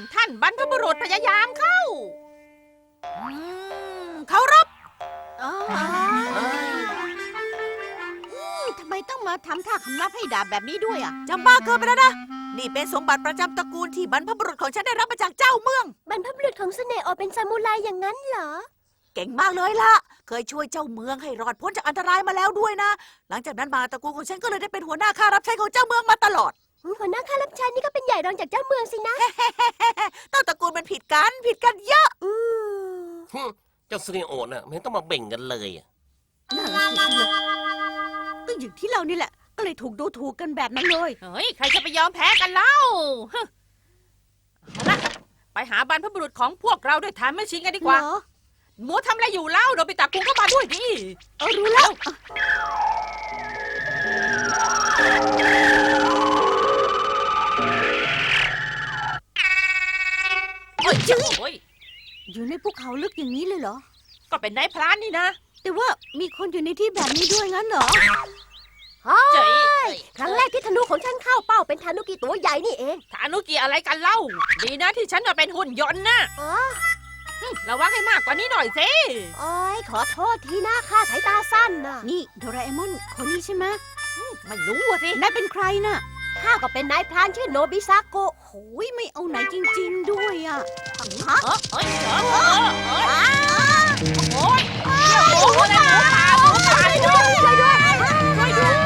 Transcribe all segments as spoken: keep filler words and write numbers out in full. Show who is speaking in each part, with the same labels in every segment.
Speaker 1: ท่านบรรพบุรุษพยายามเข้า
Speaker 2: เคารพ
Speaker 3: ทำไมต้องมาทำท่าคำนับให้ดาบแบบนี้ด้วยอ่ะ
Speaker 2: จำบ้าเกินไปแล้วนะนี่เป็นสมบัติประจำตระกูลที่บรรพบุรุษของฉันได้รับมาจากเจ้าเมือง
Speaker 3: บรรพบุรุษของเสน่ห์อเป็นซามูไรอย่างนั้นเหรอ
Speaker 2: เก่งมากเลยล่ะเคยช่วยเจ้าเมืองให้รอดพ้นจากอันตรายมาแล้วด้วยนะหลังจากนั้นมาตระกูลของฉันก็เลยได้เป็นหัวหน้าข้ารับใช้ของเจ้าเมืองมาตลอด
Speaker 3: หัวหน้าข้ารับใช้นี่ก็เป็นใหญ่รองจากเจ้าเมืองสินะ
Speaker 2: ต้นตระกูลมันผิดกันผิดกันเยอะ
Speaker 3: อื
Speaker 4: มเจ้าซีนิโอน่ะไม่ต้องมาเบ่งกันเลย
Speaker 3: นั่นสิก็อย่างที่เรานี่แหละก็เลยถูกดูถูกกันแบบนั้นเลย
Speaker 1: เฮ้ยใครจะไปยอมแพ้กันเล่าเอาละไปหาบรรพบุรุษของพวกเราด้วยฐานไม่ชิงกันดีกว่าหมูทำอะไรอยู่เล่าโดบิตะกุงก็มาด้วยดิ
Speaker 3: เออรู้แล้ว
Speaker 1: เฮ้ยจื้อ
Speaker 3: อยู่ในภูเขาลึกอย่างนี้เลยเหรอ
Speaker 1: ก็เป็นนายพรานนี่นะ
Speaker 3: แต่ว่ามีคนอยู่ในที่แบบนี้ด้วยงั้นเหรอ
Speaker 1: เจ๋ย
Speaker 3: ครั้งแรกที่ธนูของฉันเข้าเป้าเป็นธนูกีตัวใหญ่นี่เอง
Speaker 1: ธนูกีอะไรกันเล่าดีนะที่ฉันเป็นหุ่นยนต์นะระวังให้มากกว่านี้หน่อยสิ
Speaker 3: โอ้ยขอโทษทีนะข้าสายตาสั้นนะนี่โดราเอมอนคนนี้ใช่ไหม
Speaker 1: ไม่รู้สิ
Speaker 3: นายเป็นใครน่ะข้าก็เป็นนายพรานชื่อโนบิซาโกะโหยไม่เอาไหนจริงๆด้วยอ่ะ
Speaker 1: ฮะเอ้ยเอ้ยเอ้ยโอ้ยโอ้ยหมูป่าหมูป่าด้วยช่วยด้วยช่วยด้วย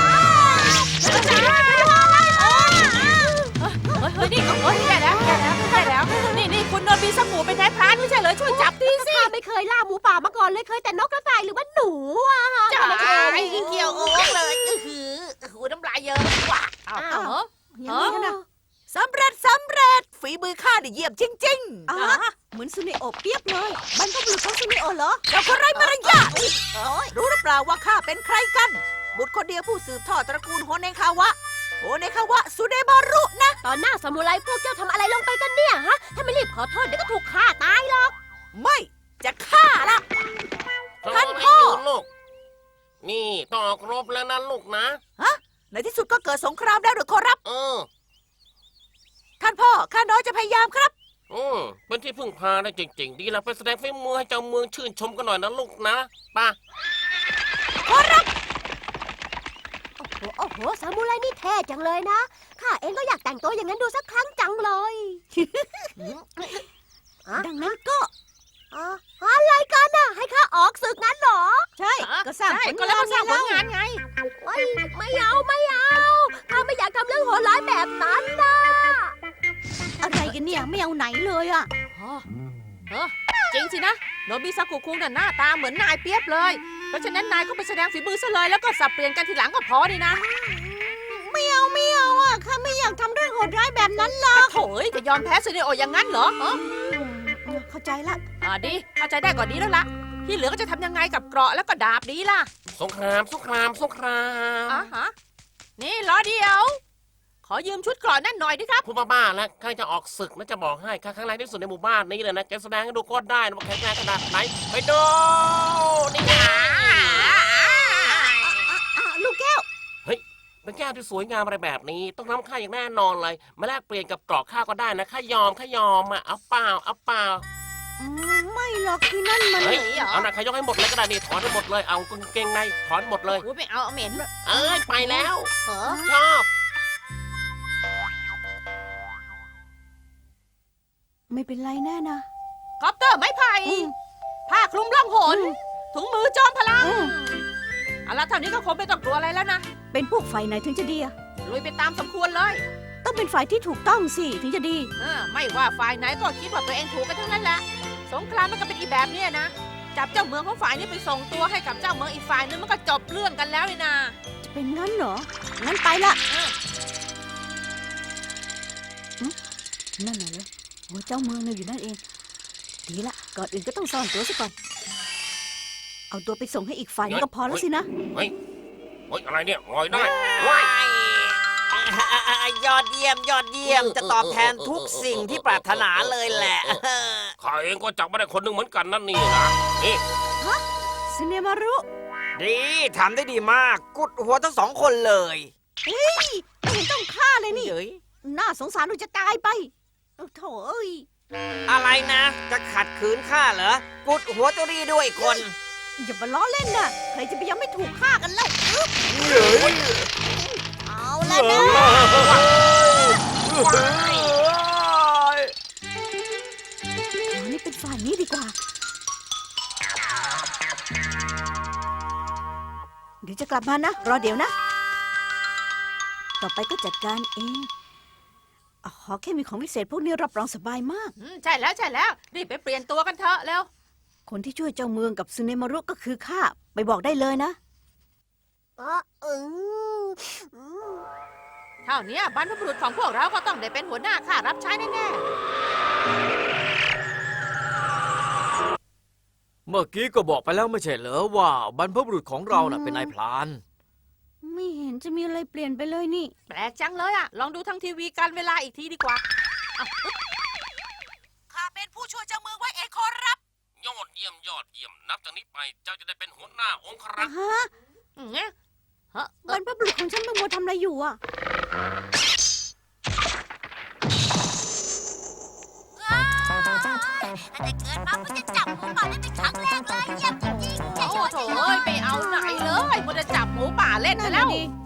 Speaker 1: เฮ้ยนี่เฮ้ยแย่แล้วแย่แล้วแย่แล้วนี่นี่คุณโนบิซาโกะเป็นนายพรานไม่ใช่เหรอช่วยจับทีสิ
Speaker 3: ข้าไม่เคยล่าหมูป่ามาก่อนเลยเคยแต่นกกระต่ายหรือว่าหนูอ่ะ
Speaker 1: จ้าไอ้เกี่ยวโอ้เลยหือหูน้ำลายเยอะว่ะอ้าว
Speaker 3: อย่างนี้นะ
Speaker 2: สำเร็จสำเร็จฝีมือข้าได้เยี่ยมจริงๆ
Speaker 3: อ๋อเหมือนซูเนโอะเปียบเลยบรรพบุรุษของซูเนโอะเหรอ
Speaker 2: เจ้าคนไร้มารยาทรู้หรือเปล่าว่าข้าเป็นใครกันบุตรคนเดียวผู้สืบทอดตระกูลโฮเนคาวะโฮเนคาวะสุเดบารุนะ
Speaker 3: ตอนหน้าซามูไรพวกเจ้าทำอะไรลงไปกันเนี่ยฮะถ้าไม่รีบขอโทษเดี๋ยวก็ถูกฆ่าตายหรอก
Speaker 2: ไม่จะฆ่าละ
Speaker 4: ท่านพ่อลูกนี่ต้องออกรบแล้วนะลูกนะ
Speaker 2: ฮะในที่สุดก็เกิดสงครามแล้วหรือขอรับ
Speaker 4: เออ
Speaker 2: ท่านพ่อข้าน้อยจะพยายามครับ
Speaker 4: อืมเป็นที่พึ่งพาได้จริงๆดีแล้วไปแสดงฝีมือให้เจ้าเมืองชื่นชมกันหน่อยนะลูกนะป่ะ
Speaker 2: ขอรับ
Speaker 3: โอ้โหโอ้โหซามูไรนี่เท่จังเลยนะข้าเองก็อยากแต่งตัวอย่างนั้นดูสักครั้งจังเลยดังนั้นก็อะไรกันน่ะให้ข้าออกศึกงั้นหรอ
Speaker 1: ใช่ก็สร้างผลงานสร้างผลงานไง
Speaker 3: ไม่ไม่เอาไม่เอาข้าไม่อยากทำเรื่องโหดร้ายแบบนั้นนะอะไรกันเนี่ยไม่เอาไหนเลยอ่ะ
Speaker 1: เออจริงสินะโนบิซากุคุงน่ะหน้าตาเหมือนนายเปียบเลยเพราะฉะนั้นนายก็ไปแสดงฝีมือซะเลยแล้วก็สับเปลี่ยนกันทีหลังก็พอดีนะ
Speaker 3: ไม่เอาไม่เอาอ่ะข้าไม่อยากทำเรื่องโหดร้ายแบบนั้นหรอก
Speaker 1: โถ่จะยอมแพ้ซูเนโอะอย่างนั้นเหรอ
Speaker 3: เข้าใจละ
Speaker 1: อ่าดีเข้าใจได้ก่อนดีแล้วล่ะที่เหลือก็จะทำยังไงกับเกราะแล้วก็ดาบดีล่ะ
Speaker 4: สงครามสงครามสงคราม
Speaker 1: อ่ะฮะนี่รอเดียวขอยืมชุดเกราะนั่นหน่อยดิครับ
Speaker 4: พูดบ้าๆแล้วข้าจะออกศึกนะจะบอกให้ข้าครั้งแรกที่สุดในหมู่บ้านนี้เลยนะแกแสดงให้ดูก็ได้นะว่าแข็งแรงขนาดไหนไปดูนี่ไง
Speaker 3: ลูกแก้ว
Speaker 4: เฮ้ยเป็นแก้วที่สวยงามอะไรแบบนี้ต้องน้ำข้าอย่างแน่นอนเลยมาแลกเปลี่ยนกับเกราะข้าก็ได้นะข้ายอมข้ายอมอ่ะเอาเปล่าเอาเปล่า
Speaker 3: ไม่หรอกที่นั่นมัน
Speaker 4: เอาหนักขยกให้หมดเลยก็ได้นี่ถอนให้หมดเลยเอากางเกงในถอนหมดเลย
Speaker 1: ไม่เอาเหม็น
Speaker 4: เอ้ยไปแล้วชอบ
Speaker 3: ไม่เป็นไรแน่นะ
Speaker 1: คอปเตอร์ไม้ไผ่ผ้าคลุมล่องหนถุงมือจอมพลังเอาละเท่านี้ก็คงไม่ต้องกลัวอะไรแล้วนะ
Speaker 3: เป็นพวกฝ่ายไหนถึงจะดีอะ
Speaker 1: ลุยไปตามสมควรเลย
Speaker 3: ต้องเป็นฝ่ายที่ถูกต้องสิถึงจะดี
Speaker 1: เออไม่ว่าฝ่ายไหนก็คิดว่าตัวเองถูกกันทั้งนั้นแหละสงครามมันก็เป็นอีแบบนี้นะจับเจ้าเมืองของฝ่ายนี้ไปส่งตัวให้กับเจ้าเมืองอีกฝ่ายนึงมันก็จบเรื่องกันแล้วนี่นะ
Speaker 3: จะเป็นงั้นเหรองั้นไปละนั่นน่ะเลยโอ้เจ้าเมืองเนี่ยอยู่นั่นเองดีละก่อนอื่นก็ต้องซ่อนตัวซะก่อนเอาตัวไปส่งให้อีกฝ่ายนึงก็พอแล้วสินะ
Speaker 4: เฮ้ยเฮ้ยอะไรเนี่ยงอยได้
Speaker 2: ยอดเยี่ยมยอดเยี่ยมจะตอบแทนทุกสิ่งที่ปรารถนาเลยแหละ
Speaker 4: ข้าเองก็จับมาได้คนหนึ่งเหมือนกันนั่นนี่นะนี่
Speaker 3: ฮะซิเนมารุ
Speaker 2: ดีทำได้ดีมากกุดหัวทั้งสองคนเลย
Speaker 3: เฮ้ยไม่เห็นต้องฆ่าเลยนี่น่าสงสารหนูจะตายไปเอาโถเอ้ย
Speaker 5: อะไรนะ จะขัดขืนข้าเหรอ กุดหัวตุรีด้วยคน
Speaker 3: อย่ามาล้อเล่นนะใครจะไปยังไม่ถูกฆ่ากันเล่าอึ๊บเอาละนะเรานี่เป็นฝ่ายนี้ดีกว่า เดี๋ยวจะกลับมานะ รอเดี๋ยวนะ ต่อไปก็จัดการเองอ๋อแค่มีของพิเศษพวกนี้รับรองสบายมาก
Speaker 1: อืมใช่แล้วใช่แล้วรีบไปเปลี่ยนตัวกันเถอะเร็ว
Speaker 3: คนที่ช่วยเจ้าเมืองกับซึเนมารุก็คือข้า ไปบอกได้เลยนะ
Speaker 1: เท่านี้บรรพบุรุษของพวกเราก็ต้องได้เป็นหัวหน้าข้ารับใช้แน่
Speaker 6: เมื่อกี้ก็บอกไปแล้วไม่ใช่เหรอว่าบรรพบุรุษของเราน่ะเป็นนายพราน
Speaker 3: ไม่เห็นจะมีอะไรเปลี่ยนไปเลยนี่
Speaker 1: ๆแปลกจังเลยอะลองดูทางทีวีกันเวลาอีกทีดีกว่า
Speaker 2: ข้าเป็นผู้ช่วยเจ้าเมืองไว้เองขอรับ
Speaker 4: ยอดเยี่ยมยอดเยี่ยมนับจากนี้ไปเจ้าจะได้เป็นหัวหน้าองครักษ์
Speaker 3: ฮะ
Speaker 1: อืมเนี่ยฮะ
Speaker 3: บรรพบุรุษของฉันมัวทำอะไรอยู่อ่ะ
Speaker 2: แต่เกิดมาเพิ่งจะจับหมูป่าได้เป็นครั้งแรกเลยเยี่ยมจริงๆ
Speaker 1: โอ้โถเอ้ยไปเอาไหนเลยมันจะจับหมูป่าเล่นไปแล้ว
Speaker 3: นั่นน่ะดิ